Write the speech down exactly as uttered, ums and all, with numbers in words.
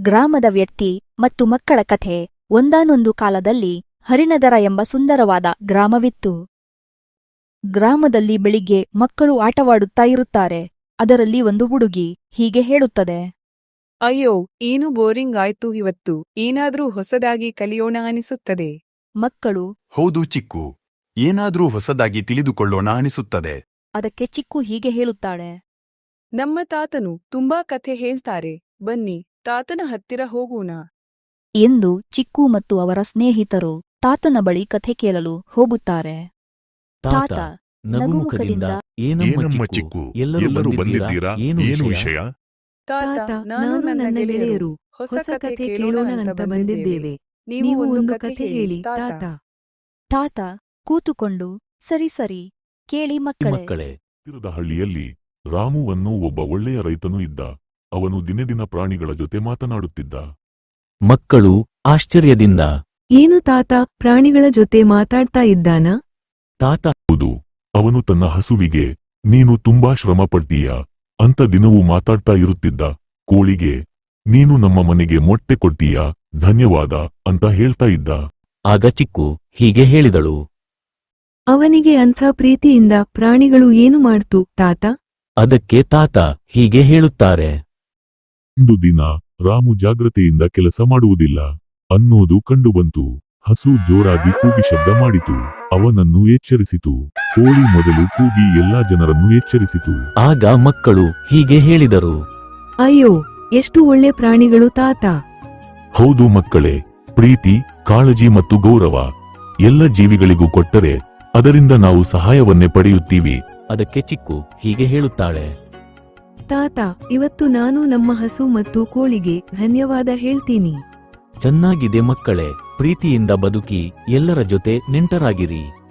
ಗ್ರಾಮದ ವ್ಯಕ್ತಿ ಮತ್ತು ಮಕ್ಕಳ ಕಥೆ. ಒಂದಾನೊಂದು ಕಾಲದಲ್ಲಿ ಹರಿಣದರ ಎಂಬ ಸುಂದರವಾದ ಗ್ರಾಮವಿತ್ತು. ಗ್ರಾಮದಲ್ಲಿ ಬೆಳಿಗ್ಗೆ ಮಕ್ಕಳು ಆಟವಾಡುತ್ತಾ ಇರುತ್ತಾರೆ. ಅದರಲ್ಲಿ ಒಂದು ಹುಡುಗಿ ಹೀಗೆ ಹೇಳುತ್ತದೆ, ಅಯ್ಯೋ, ಏನು ಬೋರಿಂಗ್ ಆಯ್ತು ಇವತ್ತು, ಏನಾದ್ರೂ ಹೊಸದಾಗಿ ಕಲಿಯೋಣ ಅನಿಸುತ್ತದೆ. ಮಕ್ಕಳು, ಹೌದು ಚಿಕ್ಕು, ಏನಾದ್ರೂ ಹೊಸದಾಗಿ ತಿಳಿದುಕೊಳ್ಳೋಣ ಅನಿಸುತ್ತದೆ. ಅದಕ್ಕೆ ಚಿಕ್ಕು ಹೀಗೆ ಹೇಳುತ್ತಾಳೆ, ನಮ್ಮ ತಾತನು ತುಂಬಾ ಕಥೆ ಹೇಳ್ತಾರೆ, ಬನ್ನಿ ತಾತನ ಹತ್ತಿರ ಹೋಗೋಣ ಎಂದು ಚಿಕ್ಕು ಮತ್ತು ಅವರ ಸ್ನೇಹಿತರು ತಾತನ ಬಳಿ ಕಥೆ ಕೇಳಲು ಹೋಗುತ್ತಾರೆ. ತಾತ ನಗುಮುಖದಿಂದ, ಏನಮ್ಮ ಚಿಕ್ಕು, ಎಲ್ಲರೂ ಬಂದಿದ್ದೀರಾ, ಏನು ವಿಷಯ? ತಾತ, ನಾನು ನನ್ನ ಗೆಳೆಯರು ಹೊಸ ಕಥೆ ಕೇಳೋಣ ಅಂತ ಬಂದಿದ್ದೇವೆ. ನೀವು ಒಂದು ಕಥೆ ಹೇಳಿ ತಾತ. ತಾತ ಕೂತುಕೊಂಡು, ಸರಿ ಸರಿ ಕೇಳಿ ಮಕ್ಕಳೇ. ಹತ್ತಿರದ ಹಳ್ಳಿಯಲ್ಲಿ ರಾಮು ಅನ್ನೋ ಒಬ್ಬ ಒಳ್ಳೆಯ ರೈತನು ಇದ್ದ. ಅವನು ದಿನದಿನ ಪ್ರಾಣಿಗಳ ಜೊತೆ ಮಾತನಾಡುತ್ತಿದ್ದ. ಮಕ್ಕಳು ಆಶ್ಚರ್ಯದಿಂದ, ಏನು ತಾತ, ಪ್ರಾಣಿಗಳ ಜೊತೆ ಮಾತಾಡ್ತಾ ಇದ್ದಾನ? ತಾತ, ಹೌದು, ಅವನು ತನ್ನ ಹಸುವಿಗೆ ನೀನು ತುಂಬಾ ಶ್ರಮ ಪಡ್ತೀಯ ಅಂತ ದಿನವೂ ಮಾತಾಡ್ತಾ ಇರುತ್ತಿದ್ದ. ಕೋಳಿಗೆ ನೀನು ನಮ್ಮ ಮನೆಗೆ ಮೊಟ್ಟೆ ಕೊಡ್ತೀಯ, ಧನ್ಯವಾದ ಅಂತ ಹೇಳ್ತಾ ಇದ್ದ. ಆಗ ಚಿಕ್ಕು ಹೀಗೆ ಹೇಳಿದಳು, ಅವನಿಗೆ ಅಂಥ ಪ್ರೀತಿಯಿಂದ ಪ್ರಾಣಿಗಳು ಏನು ಮಾಡ್ತು ತಾತ? ಅದಕ್ಕೆ ತಾತ ಹೀಗೆ ಹೇಳುತ್ತಾರೆ, ಒಂದು ದಿನ ರಾಮು ಜಾಗ್ರತೆಯಿಂದ ಕೆಲಸ ಮಾಡುವುದಿಲ್ಲ ಅನ್ನೋದು ಕಂಡುಬಂತು. ಹಸು ಜೋರಾಗಿ ಕೂಗಿ ಶಬ್ದ ಮಾಡಿತು. ಅವನನ್ನು ಎಚ್ಚರಿಸಿತು. ಕೋಳಿ ಮೊದಲು ಕೂಗಿ ಎಲ್ಲಾ ಜನರನ್ನು ಎಚ್ಚರಿಸಿತು. ಆಗ ಮಕ್ಕಳು ಹೀಗೆ ಹೇಳಿದರು, ಅಯ್ಯೋ, ಎಷ್ಟು ಒಳ್ಳೆ ಪ್ರಾಣಿಗಳು ತಾತ. ಹೌದು ಮಕ್ಕಳೇ, ಪ್ರೀತಿ, ಕಾಳಜಿ ಮತ್ತು ಗೌರವ ಎಲ್ಲ ಜೀವಿಗಳಿಗೂ ಕೊಟ್ಟರೆ ಅದರಿಂದ ನಾವು ಸಹಾಯವನ್ನೇ ಪಡೆಯುತ್ತೀವಿ. ಅದಕ್ಕೆ ಚಿಕ್ಕು ಹೀಗೆ ಹೇಳುತ್ತಾಳೆ, ತಾತ, ಇವತ್ತು ನಾನು ನಮ್ಮ ಹಸು ಮತ್ತು ಕೋಳಿಗೆ ಧನ್ಯವಾದ ಹೇಳ್ತೀನಿ. ಚೆನ್ನಾಗಿದೆ ಮಕ್ಕಳೇ, ಪ್ರೀತಿಯಿಂದ ಬದುಕಿ ಎಲ್ಲರ ಜೊತೆ ನೆಂಟರಾಗಿರಿ.